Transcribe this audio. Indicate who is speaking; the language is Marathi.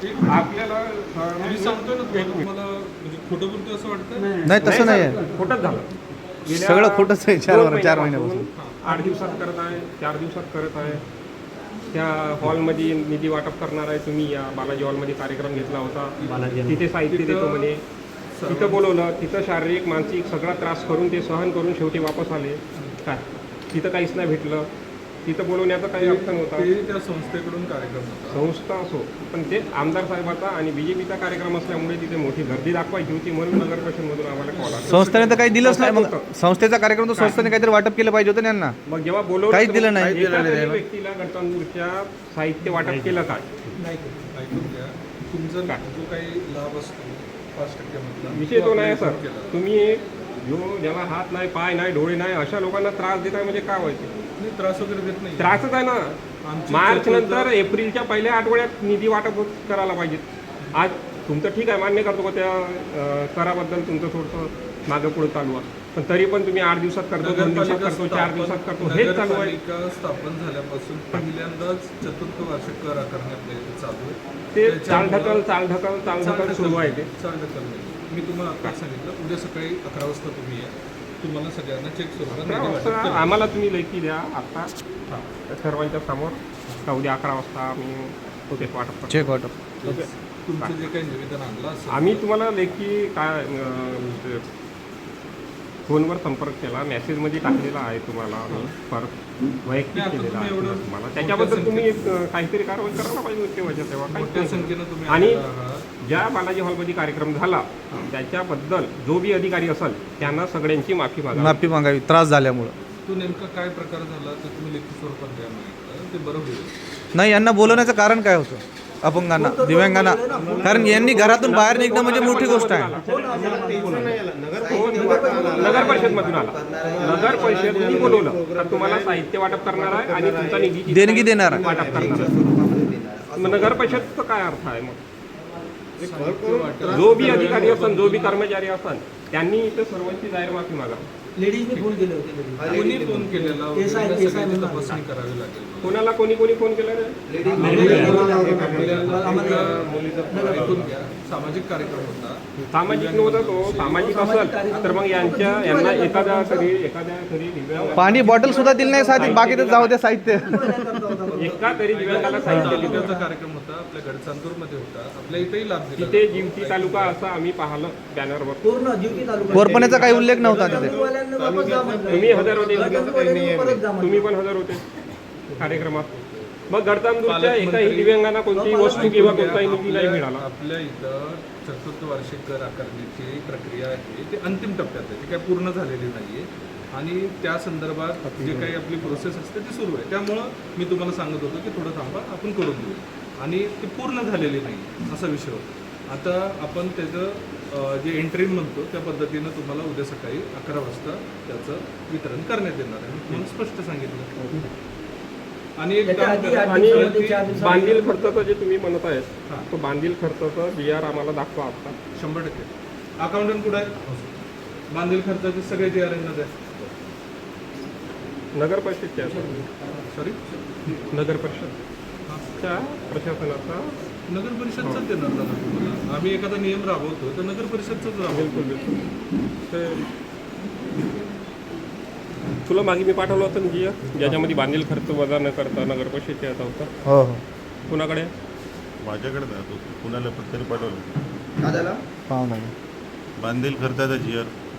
Speaker 1: आपल्याला मी सांगतोय ना तुम्हाला म्हणजे खोटं बोलतो असं वाटतं.
Speaker 2: नाही तसं नाही आहे,
Speaker 1: खोटंच झालं.
Speaker 2: सगळं खोटंच आहे. 4 महिन्यापासून
Speaker 1: 8 दिवसात करत आहे, 4 दिवसात करत आहे. त्या हॉलमध्ये निधी वाटप करणार आहे तुम्ही, या बालाजी हॉलमध्ये कार्यक्रम घेतला होता, तिथे साहित्य देतो म्हणे. तिथं बोलवलं, तिथं शारीरिक मानसिक सगळा त्रास करून ते सहन करून शेवटी वापस आले. काय तिथं काहीच नाही भेटलं. तिथं बोलवण्याचा काही अर्थ नव्हता.
Speaker 3: त्या संस्थेकडून कार्यक्रम होता.
Speaker 1: संस्था असो, पण ते आमदार साहेबाचा आणि BJPचा कार्यक्रम असल्यामुळे तिथे मोठी गर्दी दाखवायची होती, म्हणून नगर परिषदमधून आम्हाला कॉल आला.
Speaker 2: संस्थेने तर काही दिलंच नाही. मग संस्थेचा कार्यक्रम तर संस्थेने काहीतरी वाटप केलं पाहिजे होतं त्यांना.
Speaker 1: मग जेव्हा बोलवलं
Speaker 2: काहीच दिलं नाही.
Speaker 1: एका तरी व्यक्तीला गणतंत्रच्या साहित्य वाटप केलं काय?
Speaker 3: ऐकून घ्या, तुमचा जो काही लाभ असतो 5% मधला
Speaker 1: विषय तो नाही सर. तुम्ही जो ज्याला हात नाही, पाय नाही, डोळे नाही, अशा लोकांना त्रास देताय म्हणजे काय व्हायचं?
Speaker 3: त्रास वगैरे देत नाही.
Speaker 1: त्रासच आहे ना. मार्च नंतर एप्रिलच्या पहिल्या आठवड्यात निधी वाटप करायला पाहिजे. आज तुमचं ठीक आहे, मान्य करतो का त्या कराबद्दल तुमचं थोडंसं मागं पुढं चालू आहे, पण तरी पण तुम्ही 8 दिवसात करतो, 2 दिवसात करतो, 4 दिवसात करतो, हेच चालू आहे.
Speaker 3: नगरपालिका स्थापन झाल्यापासून पहिल्यांदाच चतुर्थ वार्षिक कर आकारण्यात चालू आहे.
Speaker 1: ते चालढकल सुरू आहे. ते
Speaker 3: चालढकल नाही. मी तुम्हाला आता सांगितलं, उद्या सकाळी 11 वाजता तुम्ही या. तुम्हाला सगळ्यांना चेक स्वरूपात
Speaker 1: आम्हाला तुम्ही लेखी द्या आता सर्वांच्या समोर का उद्या 11 वाजता आम्ही होते वाटप करतो.
Speaker 2: चेक वाटप.
Speaker 1: ओके.
Speaker 3: तुमचं जे काही निवेदन आणलं असेल
Speaker 1: आम्ही तुम्हाला लेखी काय फोनवर संपर्क केला, मेसेजमध्ये टाकलेला आहे तुम्हाला, आम्ही परत वैयक्तिक केलेला आहे तुम्हाला. त्याच्याबद्दल तुम्ही काहीतरी कारवाई करायला पाहिजे होती तेव्हाच्या तेव्हा.
Speaker 3: मोठ्या संख्येनं तुम्ही
Speaker 1: आणि
Speaker 3: आलेला आहात.
Speaker 1: ज्या बालाजी हॉलमध्ये कार्यक्रम झाला त्याच्याबद्दल जो बी अधिकारी असेल त्यांना सगळ्यांची माफी
Speaker 2: मागावी त्रास झाल्यामुळं.
Speaker 3: तो नेमका काय प्रकार झाला ते तुम्ही लेखी स्वरूपात द्या माहिती, ते बरं होईल.
Speaker 2: नाही, यांना बोलवण्याचं कारण काय होतं अपंगांना, दिव्यांगांना? कारण यांनी घरातून बाहेर निघणं म्हणजे मोठी गोष्ट आहे.
Speaker 1: नगर परिषदमधून आला. नगर परिषदनी बोलवलं तर तुम्हाला साहित्य वाटप करणार आहे आणि तुमचा निधी
Speaker 2: देणगी देणार आहे.
Speaker 1: वाटप करणार आहे. मग नगर परिषदचा काय अर्थ आहे? मग जो बी अधिकारी असन, जो बी कर्मचारी असन, त्यांनी इथं सर्वांची जाहीर माफी मागावी.
Speaker 4: लेडीजने फोन केले होते.
Speaker 3: कोणी फोन केलेला वगैरे सगळ्याची तपासणी करावी लागेल.
Speaker 1: कोणाला कोणी फोन केला रे?
Speaker 3: ऐकून घ्या, सामाजिक कार्यक्रम होता.
Speaker 1: सामाजिक नव्हता तो. सामाजिक असेल तर मग यांना एखाद्या तरी दिव्यांग,
Speaker 2: पाणी बॉटल सुद्धा दिली नाही साधी, बाकी तर जाऊ द्या साहित्य.
Speaker 1: एका तरी दिव्यांगाला साहित्य दिलं.
Speaker 3: तालुक्याचा कार्यक्रम होता, आपल्या गडचांदूरमध्ये होता, आपल्या इथेही लाभ दिला.
Speaker 1: तिथे जिवती तालुका असं आम्ही पाहिलं बॅनरवर.
Speaker 4: पूर्ण जीवती तालुका.
Speaker 2: कोरपण्याचा काही उल्लेख नव्हता तिथे.
Speaker 1: तुम्ही हजर होते, तुम्ही पण हजर होते कार्यक्रमात. मग गडचांदूरच्या एकाही दिव्यांगांना कोणतीही वस्तू किंवा कोणताही निधी नाही मिळाला.
Speaker 3: आपल्या इथं चतुर्थ वार्षिक कर आकारण्याची प्रक्रिया आहे, ती अंतिम टप्प्यात आहे, ती काय पूर्ण झालेली नाहीये. आणि त्या संदर्भात जे काही आपली प्रोसेस असते ती सुरू आहे. त्यामुळं मी तुम्हाला सांगत होतो की थोडं थांबा, आपण करून देऊ. आणि ती पूर्ण झालेली नाही असा विषय होता. आता आपण त्याचं जे एंट्री म्हणतो त्या पद्धतीनं तुम्हाला उद्या सकाळी 11 वाजता त्याचं वितरण करण्यात येणार आहे, म्हणून स्पष्ट सांगितलं. आणि एक बांधील खर्चाचं जे तुम्ही म्हणत आहेत, तो बांधील खर्चाचा BR आम्हाला दाखवा आता. 100% अकाउंटंट कुठं आहे? बांधील खर्चाचे सगळे जे अरेंज आहे
Speaker 1: नगर परिषदच्या,
Speaker 3: सॉरी
Speaker 1: नगर परिषदच्या प्रशासनाचा.
Speaker 3: नगर परिषदचाच देणार ना तुम्हाला. आम्ही एखादा नियम राबवतो तर नगर परिषदचाच राबवतो.
Speaker 1: बिलकुल. ते तुला मागे मी पाठवलं होतं जी ज्याच्यामध्ये बांधील खर्च वजा न करता नगर परिषदच्या याचा होता.
Speaker 2: हो हो,
Speaker 1: कुणाकडे?
Speaker 5: माझ्याकडे कुणाला पण तरी पाठवलं
Speaker 2: पाहू ना.
Speaker 5: बांधील खर्चाचा GR